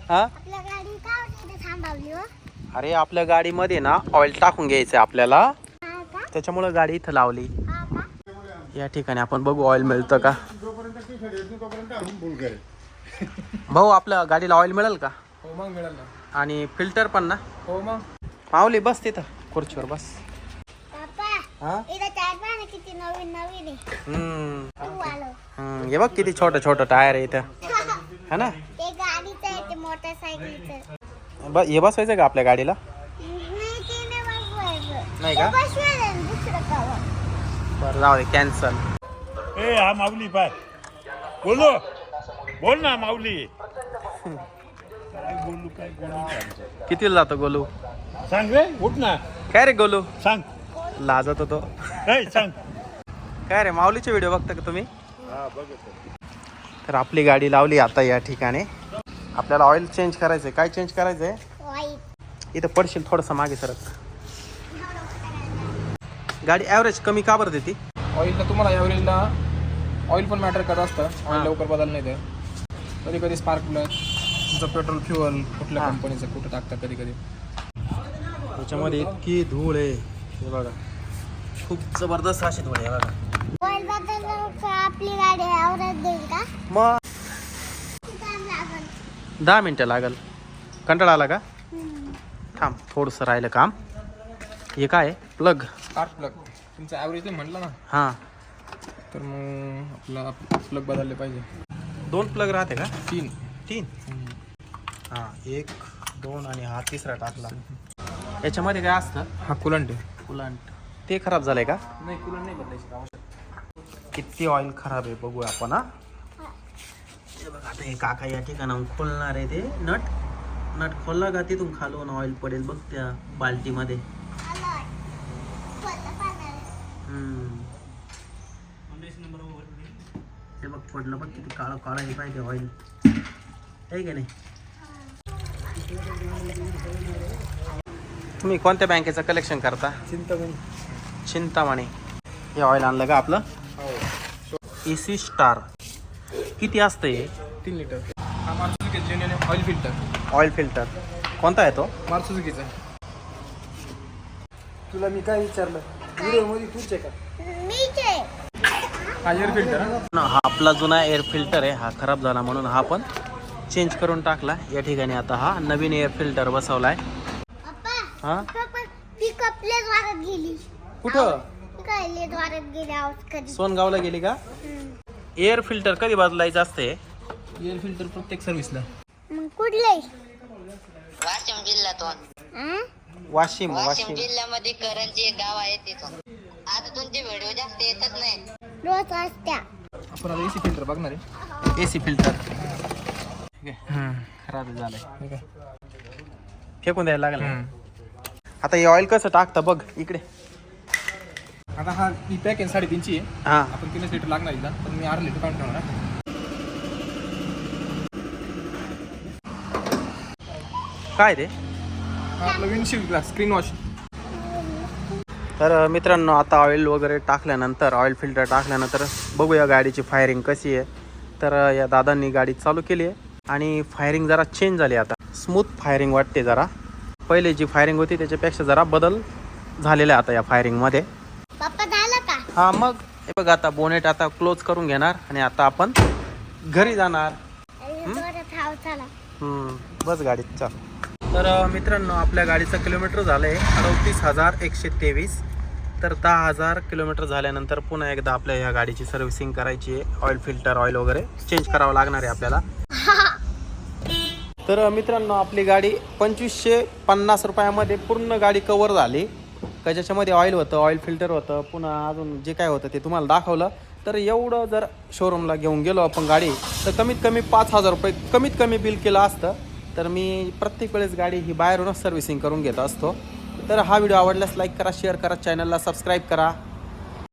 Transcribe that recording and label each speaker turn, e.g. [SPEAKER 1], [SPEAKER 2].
[SPEAKER 1] हा
[SPEAKER 2] आपल्या गाडी का इथे थांबवली हो?
[SPEAKER 1] अरे आपल्या गाडीमध्ये ना ऑइल टाकून घ्यायचं आपल्याला,
[SPEAKER 2] हा का?
[SPEAKER 1] त्याच्यामुळे गाडी इथं लावली.
[SPEAKER 2] हा का?
[SPEAKER 1] या ठिकाणी आपण बघू ऑइल मिळतं का. भाऊ आपल्या गाडीला ऑइल मिळेल का?
[SPEAKER 3] हो मग मिळेल ना.
[SPEAKER 1] आणि फिल्टर पण ना?
[SPEAKER 3] हो मग.
[SPEAKER 1] माऊली बस तिथं खुर्चीवर बस.
[SPEAKER 2] पप्पा
[SPEAKER 1] हा
[SPEAKER 2] इथे टायर पहा ना किती नवीन नवीन आहे. तू आलो.
[SPEAKER 1] हे बघ किती छोटं छोटं टायर आहे इथं, है ना?
[SPEAKER 2] ते गाडीचं आहे ते मोटरसायकलचं.
[SPEAKER 1] हे बसवायचं का आपल्या गाडीला?
[SPEAKER 2] नाही ते नाही बसवायचं.
[SPEAKER 1] नाही का?
[SPEAKER 2] ते बसवायचं आणि दुसरं कवर.
[SPEAKER 1] बरं जाऊ दे कॅन्सल.
[SPEAKER 4] ए हा माऊली पाय बोलो बोल ना माऊली. काय बोलू काय बोलू
[SPEAKER 1] कितीला जातो गोलू?
[SPEAKER 4] सांग रे उठ ना
[SPEAKER 1] काय रे गोलू?
[SPEAKER 4] सांग.
[SPEAKER 1] लाजत होतो.
[SPEAKER 4] ए सांग.
[SPEAKER 1] काय रे माऊलीचे व्हिडिओ बघता का तुम्ही?
[SPEAKER 4] हा बघत.
[SPEAKER 1] तर आपली गाडी लावली आता या ठिकाणी. आपल्याला ऑइल चेंज करायचंय. काय चेंज करायचंय?
[SPEAKER 2] वाईट.
[SPEAKER 1] इथं पडशील थोडंसं मागे सरक. गाडी ॲव्हरेज कमी का बरं देते?
[SPEAKER 3] ऑइलला तुम्हाला ॲव्हरेजला ऑइल पण मॅटर करत असतं.
[SPEAKER 1] हा.
[SPEAKER 3] ऑइल लवकर बदल नाही ते. कधी कधी स्पार्क प्लग तुमचं पेट्रोल फ्युअल कुठल्या
[SPEAKER 1] हा.
[SPEAKER 3] कंपनीचं कुठं टाकतं कधी कधी.
[SPEAKER 1] त्याच्यामध्ये इतकी धूळ आहे हे बघा, खूप जबरदस्त अशी धूळ आहे बघा.
[SPEAKER 2] ऑइल बदललं का आपली गाडी आवरत देईल का?
[SPEAKER 1] मग
[SPEAKER 2] किती टाइम लागेल?
[SPEAKER 1] 10 मिनटं लागल. कंटाळा आला का? थांब थोडंसं राहिलं काम. हे काय प्लग?
[SPEAKER 3] स्पार्क प्लग तुमचं ॲव्हरेज म्हटलं ना,
[SPEAKER 1] हां
[SPEAKER 3] तर मग आपला प्लग बदलले पाहिजे.
[SPEAKER 1] 2 प्लग राहते का?
[SPEAKER 3] 3.
[SPEAKER 1] 3. हां 1 2 आणि हा तिसरा टाकला. याच्यामध्ये काय असतं?
[SPEAKER 3] हा कुलंट आहे.
[SPEAKER 1] कुलांट. ते खराब झालंय का?
[SPEAKER 3] नाही कुलंट नाही बदलायची आवश्यक.
[SPEAKER 1] किती ऑइल खराब आहे बघूया आपण. हा हे बघा आता हे काका या ठिकाणाहून खोलणार आहे ते नट खोलला का तिथून खालून ऑइल पडेल बघ त्या बाल्टीमध्ये.
[SPEAKER 2] आलोय. खोललं पाण्याने.
[SPEAKER 1] हे बघ पडलं बघ किती काळं काळं हे पाहिजे ऑइल आहे की नाही. तुम्ही कोणत्या बँकेचं कलेक्शन करता? चिंतामणी. हे ऑइल आणलं का आपलं?
[SPEAKER 3] हो.
[SPEAKER 1] AC star. किती असतं हे?
[SPEAKER 3] 3 लिटर. हा Maruti genuine oil filter.
[SPEAKER 1] Oil filter कोणता आहे तो?
[SPEAKER 3] मारुती सुझुकीचा. तुला मी काय विचारलं व्हिडिओमध्ये तूच आहे का?
[SPEAKER 2] मीच आहे.
[SPEAKER 3] हा एअर फिल्टर.
[SPEAKER 1] हा आपला जुना एअर फिल्टर आहे, हा खराब झाला म्हणून हा पण चेंज करून टाकला. या ठिकाणी आता हा नवीन एअर फिल्टर बसवलाय.
[SPEAKER 2] पप्पा
[SPEAKER 1] हा
[SPEAKER 2] पप्पा ती कपलेच वारत गेली.
[SPEAKER 1] कुठं?
[SPEAKER 2] काय लेट वारत गेली आवाज कधी.
[SPEAKER 1] सोनगावला गेली का? एअर फिल्टर कधी बदलायचं असते?
[SPEAKER 3] एअर फिल्टर प्रत्येक सर्व्हिसला.
[SPEAKER 2] मग कुठले?
[SPEAKER 5] वाशिम जिल्ह्यातून.
[SPEAKER 1] वाशिम.
[SPEAKER 5] वाशिम जिल्ह्यामध्ये करंजी एक गाव आहे तिथून. आता तुमचे व्हिडिओ जास्त येतच नाही.
[SPEAKER 2] रोज असत्या.
[SPEAKER 3] आपण आता एसी फिल्टर बघणार आहे.
[SPEAKER 1] AC फिल्टर खराब झालंय,
[SPEAKER 3] ठीक आहे.
[SPEAKER 1] फेकून द्यायला लागलं. आता हे ऑइल कसं टाकतं बघ इकडे.
[SPEAKER 3] आता हा ही पॅक आहे 3.5ची आहे.
[SPEAKER 1] हा
[SPEAKER 3] आपण 3 लिटर लागणार एकदा, पण मी 8 लिटर काढून ठेवणार आहे.
[SPEAKER 1] काय ते?
[SPEAKER 3] हा आपलं विंडशील्ड ग्लास स्क्रीन वॉश.
[SPEAKER 1] तर मित्रांनो आता ऑइल वगैरे टाकल्यानंतर ऑइल फिल्टर टाकल्यानंतर बघूया गाडीची फायरिंग कशी आहे. तर या दादांनी गाडी चालू केली आहे आणि फायरिंग जरा चेंज झाली. आता स्मूथ फायरिंग वाटते जरा. पहिले जी फायरिंग होती त्याच्यापेक्षा जरा बदल झालेला आहे आता या फायरिंगमध्ये.
[SPEAKER 2] पप्पा झालं का?
[SPEAKER 1] हा मग हे बघ आता बोनेट आता क्लोज करून घेणार आणि आता आपण घरी जाणार.
[SPEAKER 2] जोरात हाव चला.
[SPEAKER 1] बस गाडीत चाल. तर मित्रांनो आपल्या गाडीचं किलोमीटर झालं आहे 38,123. तर 10,000 किलोमीटर झाल्यानंतर पुन्हा एकदा आपल्या ह्या गाडीची सर्व्हिसिंग करायची आहे. ऑइल फिल्टर ऑइल वगैरे चेंज करावं लागणार आहे आपल्याला. तर मित्रांनो आपली गाडी 2,550 रुपयामध्ये पूर्ण गाडी कवर झाली. का ज्याच्यामध्ये ऑइल होतं, ऑइल फिल्टर होतं, पुन्हा अजून जे काय होतं ते तुम्हाला दाखवलं. तर एवढं जर शोरूमला घेऊन गेलो आपण गाडी तर कमीत कमी 5,000 रुपये कमीत कमी बिल केलं असतं. तर मी प्रत्येक वेळेस गाडी ही बाहेरूनच सर्व्हिसिंग करून घेत असतो. तर हा व्हिडिओ आवडल्यास लाईक करा, शेअर करा, चॅनलला सबस्क्राईब करा